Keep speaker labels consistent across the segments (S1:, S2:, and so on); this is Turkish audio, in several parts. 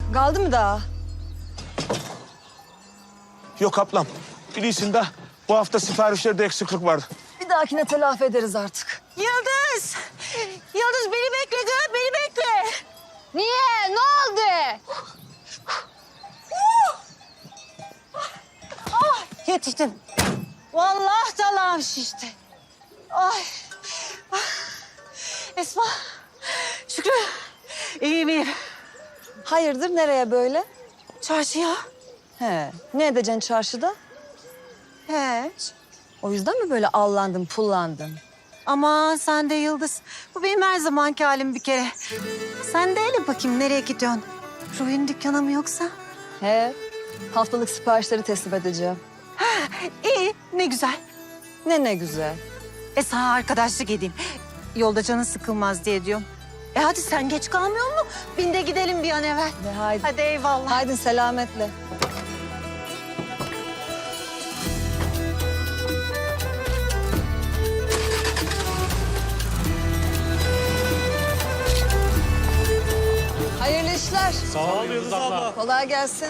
S1: Kaldı mı daha?
S2: Yok ablam. Biliyorsun da bu hafta siparişlerde eksiklik vardı.
S1: Bir dahakine telafi ederiz artık.
S3: Yıldız! Yıldız beni bekle kız, beni bekle.
S1: Niye? Ne oldu?
S3: Yetiştim. Vallahi dalağım şişti. Ay. Ah. Esma, Şükrü, iyiyim.
S1: Hayırdır, nereye böyle?
S3: Çarşıya.
S1: He, ne edeceksin çarşıda?
S3: Hiç.
S1: O yüzden mi böyle allandın, pullandın?
S3: Aman sen de Yıldız. Bu benim her zamanki halim bir kere. Sen de hele bakayım nereye gidiyorsun? Ruhi'nin dükkanı mı yoksa?
S1: He, haftalık siparişleri teslim edeceğim.
S3: İyi, ne güzel.
S1: Ne güzel.
S3: Sana arkadaşlık edeyim. Yolda canın sıkılmaz diye diyorum. Hadi sen geç kalmıyor mu? Bin de gidelim bir an evvel.
S1: De haydi.
S3: Hadi eyvallah.
S1: Haydi selametle. Hayırlı işler.
S4: Sağ ol Yıldız abla.
S1: Kolay gelsin.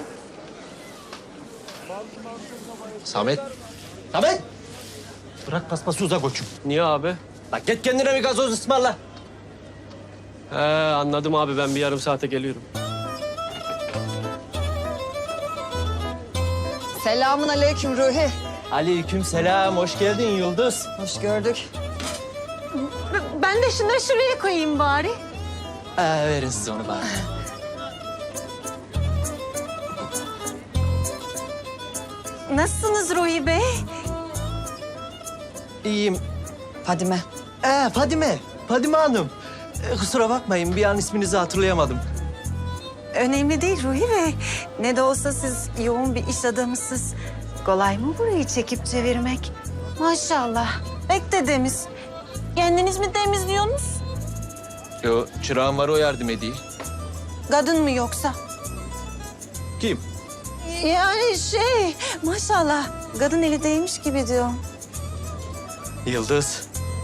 S5: Samet. Samet! Bırak paspası uzak koçum.
S4: Niye abi?
S5: Bak git kendine bir gazoz ısmarla.
S4: He anladım abi ben bir yarım saate geliyorum.
S1: Selamun aleyküm Ruhi.
S5: Aleyküm selam, hoş geldin Yıldız.
S1: Hoş gördük.
S3: Ben de şunları şuraya koyayım bari.
S5: Verin siz onu bana.
S3: Nasılsınız Ruhi Bey?
S5: İyiyim.
S1: Fadime.
S5: Fadime Hanım. Kusura bakmayın, bir an isminizi hatırlayamadım.
S3: Önemli değil Ruhi Bey. Ne de olsa siz yoğun bir iş adamısınız. Kolay mı burayı çekip çevirmek? Maşallah. Pek dedemiz. Kendiniz mi temizliyorsunuz?
S5: Yo, çırağım var, o yardım edeyim.
S3: Kadın mı yoksa?
S5: Kim?
S3: Yani maşallah. Kadın eli değmiş gibi diyorum.
S5: Yıldız.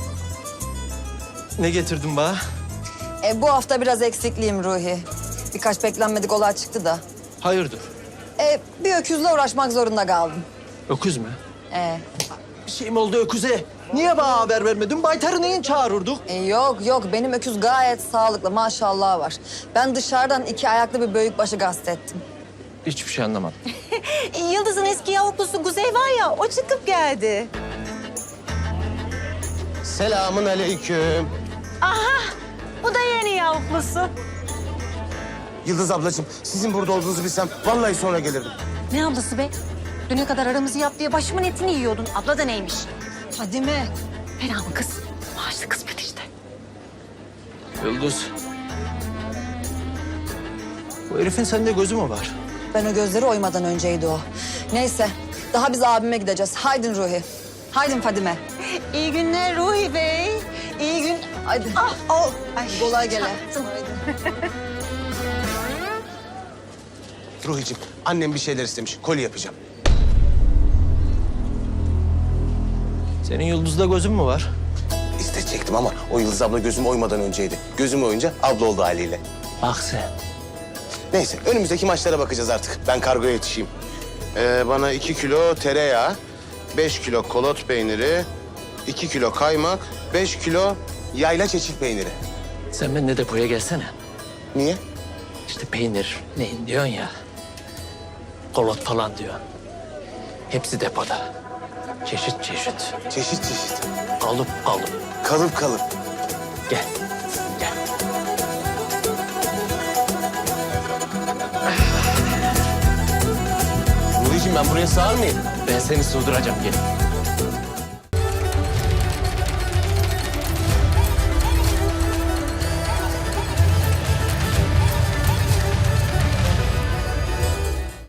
S5: Ne getirdin bana?
S1: Bu hafta biraz eksikliyim Ruhi. Birkaç beklenmedik olay çıktı da.
S5: Hayırdır?
S1: Bir öküzle uğraşmak zorunda kaldım.
S5: Öküz mü?
S1: E,
S5: Bir şey mi oldu öküze? Niye bana haber vermedin? Baytarı neyin çağırırdık?
S1: yok benim öküz gayet sağlıklı maşallah var. Ben dışarıdan 2 ayaklı bir büyükbaşı gastettim.
S5: Hiçbir şey anlamadım.
S3: Yıldız'ın eski yavuklusu Kuzey var ya, o çıkıp geldi.
S6: Selamun aleyküm.
S3: Bu da yeni yavuklusu.
S6: Yıldız ablacığım, sizin burada olduğunuzu bilsem vallahi sonra gelirdim.
S3: Ne ablası be? Düne kadar aramızı yap diye başımın etini yiyordun. Abla da neymiş?
S1: Fadime.
S3: Fena mı kız? Maaşlı kısmet işte.
S5: Yıldız. Bu herifin sende gözü mü var?
S1: Ben o gözleri oymadan önceydi o. Neyse daha biz abime gideceğiz. Haydin Ruhi. Haydin Fadime.
S3: İyi günler Ruhi Bey. İyi gün...
S1: Haydi.
S3: Ay,
S1: Kolay gele.
S3: çarptım.
S6: Ruhicim, annem bir şeyler istemiş. Koli yapacağım.
S5: Senin Yıldız'da gözün mü var?
S6: İsteyecektim ama o Yıldız abla gözüm oymadan önceydi. Gözüm oyunca abla oldu haliyle.
S5: Bak sen.
S6: Neyse, önümüzdeki maçlara bakacağız artık. Ben kargoya yetişeyim. Bana 2 kilo tereyağı, 5 kilo kolot peyniri, 2 kilo kaymak, 5 kilo yayla çeçil peyniri.
S5: Sen benimle depoya gelsene.
S6: Niye?
S5: İşte peynir neyin diyorsun ya. Kolot falan diyor. Hepsi depoda. Çeşit çeşit.
S6: Çeşit çeşit.
S5: Kalıp kalıp.
S6: Kalıp kalıp.
S5: Gel. Gel.
S6: Ruhicim ben buraya sığar mıyım?
S5: Ben seni sığdıracağım gel.